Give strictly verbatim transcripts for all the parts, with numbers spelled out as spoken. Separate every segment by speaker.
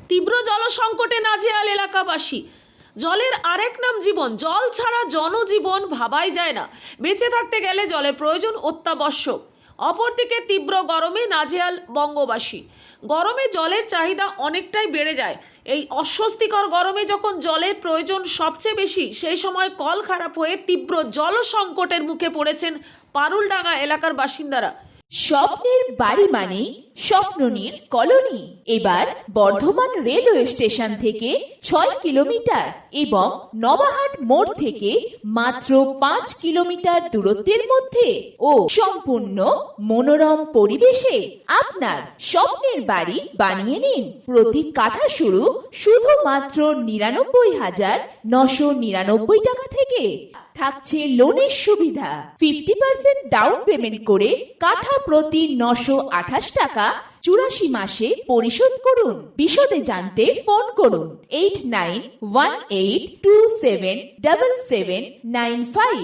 Speaker 1: তীব্র জল সংকটে নাজেহাল এলাকাবাসী। জলের আরেক নাম জীবন। জল ছাড়া জনজীবন ভাবাই যায় না। বেঁচে থাকতে গেলে জলের প্রয়োজন অত্যাবশ্যক। অপরদিকে তীব্র গরমে নাজেহাল বঙ্গবাসী। গরমে জলের চাহিদা অনেকটাই বেড়ে যায়। এই অস্বস্তিকর গরমে যখন জলের প্রয়োজন সবচেয়ে বেশি, সেই সময় কল খারাপ হয়ে তীব্র জল সংকটের মুখে পড়েছেন পারুলডাঙ্গা এলাকার বাসিন্দারা।
Speaker 2: স্বপ্নের বাড়ি মানে স্বপ্ননীর কলোনি। এবার বর্ধমান রেলওয়ে স্টেশন থেকে ছয় কিলোমিটার এবং নবাহাট মোড় থেকে মাত্র পাঁচ কিলোমিটার দূরত্বের মধ্যে ও সম্পূর্ণ মনোরম পরিবেশে আপনার স্বপ্নের বাড়ি বানিয়ে নিন। প্রতি কাঠা শুরু শুধুমাত্র নিরানব্বই হাজার নশো নিরানব্বই টাকা থেকে। থাকছে লোনের সুবিধা। ফিফটি পার্সেন্ট ডাউন পেমেন্ট করে কাঠা প্রতি নশো আঠাশ টাকা চুরাশি মাসে পরিশোধ করুন। বিশদে জানতে ফোন করুন eight nine one eight two seven double seven nine five.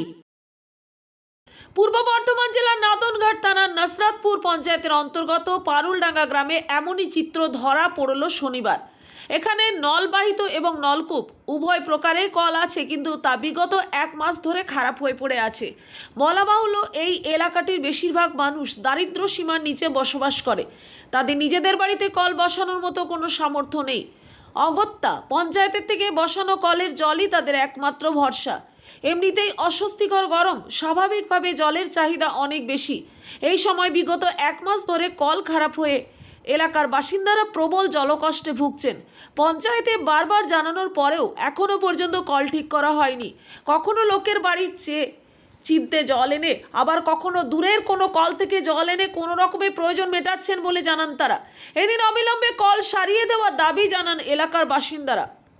Speaker 1: Purba Bardhaman জেলার নাদনঘাট থানার নসরাতপুর পঞ্চায়েতের অন্তর্গত পারুলডাঙ্গা গ্রামে এমনই চিত্র ধরা পড়ল শনিবার। এখানে নলবাহিত এবং নলকূপ উভয় প্রকারের কল আছে, কিন্তু তা বিগত এক মাস ধরে খারাপ হয়ে পড়ে আছে। বলা বাহুল্য, এই এলাকাটির বেশিরভাগ মানুষ দারিদ্র সীমার নিচে বসবাস করে। তাদের নিজেদের বাড়িতে কল বসানোর মতো কোনো সামর্থ্য নেই। অগত্যা পঞ্চায়েতের থেকে বসানো কলের জলই তাদের একমাত্র ভরসা। এমনিতেই অস্বস্তিকর গরম, স্বাভাবিকভাবে জলের চাহিদা অনেক বেশি। এই সময় বিগত এক মাস ধরে কল খারাপ হয়ে এলাকার বাসিন্দারা প্রবল জলকষ্টে ভুগছেন। পঞ্চায়েতে বারবার জানানোর পরেও এখনও পর্যন্ত কল ঠিক করা হয়নি। কখনো লোকের বাড়ির চেয়ে চিমটে জল এনে, আবার কখনো দূরের কোনো কল থেকে জল এনে কোনো রকমের প্রয়োজন মেটাচ্ছেন বলে জানান তারা। এদিন অবিলম্বে কল সারিয়ে দেওয়ার দাবি জানান এলাকার বাসিন্দারা।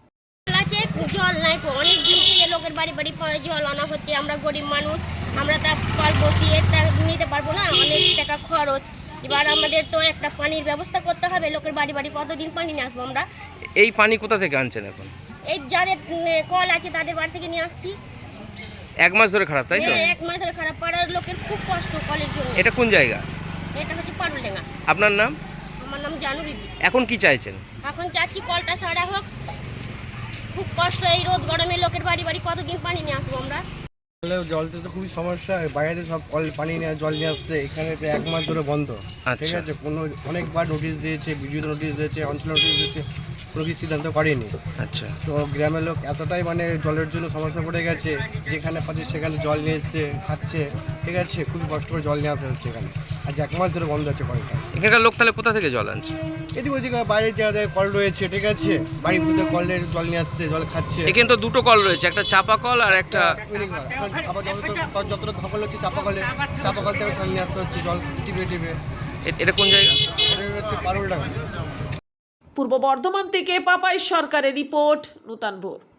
Speaker 3: জল নাই, অনেক দিন থেকে লোকের বাড়ি বাড়ি জল আনা হচ্ছে। আমরা গরিব মানুষ, আমরা তা কল বসিয়ে নিতে পারবো না, অনেক টাকা খরচ। এবার আমাদের তো একটা পানির ব্যবস্থা করতে হবে। লোকের বাড়ি বাড়ি কতদিন পানি নিয়ে আসবো আমরা?
Speaker 4: এই পানি কোথা থেকে আনছেন এখন?
Speaker 3: এই যাদের কল আছে তাদের বাড়ি থেকে নিয়ে আসছি।
Speaker 4: এক মাস ধরে খারাপ, তাই তো?
Speaker 3: এক মাস ধরে খারাপ। পাড়ার লোকের খুব কষ্ট কলের জন্য।
Speaker 4: এটা কোন জায়গা?
Speaker 3: এটা হচ্ছে পারুলডাঙ্গা।
Speaker 4: আপনার নাম?
Speaker 3: আমার নাম জানু বিবি।
Speaker 4: এখন কি চাইছেন?
Speaker 3: এখন চাচ্ছি কলটা সারা হোক। খুব কষ্ট, এই রোদ গরমে লোকের বাড়ি বাড়ি কতদিন পানি নিয়ে আসবো আমরা?
Speaker 5: জলতে তো খুবই সমস্যা। বাইরে সব কল পানি নিয়ে জল নিয়ে আসছে, এখানে এক মাস ধরে বন্ধ। ঠিক আছে, কোনো অনেকবার নোটিশ দিয়েছে, বিদ্যুৎ নোটিশ দিয়েছে, অঞ্চল নোটিশ দিয়েছে, কোনো কিছু সিদ্ধান্ত করেনি। আচ্ছা, তো গ্রামের লোক এতটাই মানে জলের জন্য সমস্যা পড়ে গেছে, যেখানে পাচ্ছে সেখানে জল নিয়ে এসছে, খাচ্ছে। ঠিক আছে, খুবই কষ্ট করে জল নিয়ে আসতে হচ্ছে এখানে। আজ এক মাস ধরে বন্ধ আছে কলটা।
Speaker 4: এখানকার লোক তাহলে কোথা থেকে জল আনছে?
Speaker 5: এদিকে ওদিকে বাইরে যাদের কল রয়েছে, ঠিক আছে, বাড়ির মধ্যে কলের জল নিয়ে আসছে, জল খাচ্ছে।
Speaker 4: এখানে তো দুটো কল রয়েছে, একটা চাপা কল আর একটা
Speaker 5: আবার যতটা সকল হচ্ছে চাপা কলে, চাপা কল থেকে জল নিয়ে আসতে হচ্ছে, জল টিপে টিপে।
Speaker 4: এটা কোন জায়গা?
Speaker 5: এটা হচ্ছে পারুলডাঙ্গা।
Speaker 1: পূর্ব বর্ধমান থেকে পাপাই সরকারের রিপোর্ট, নূতন ভোর।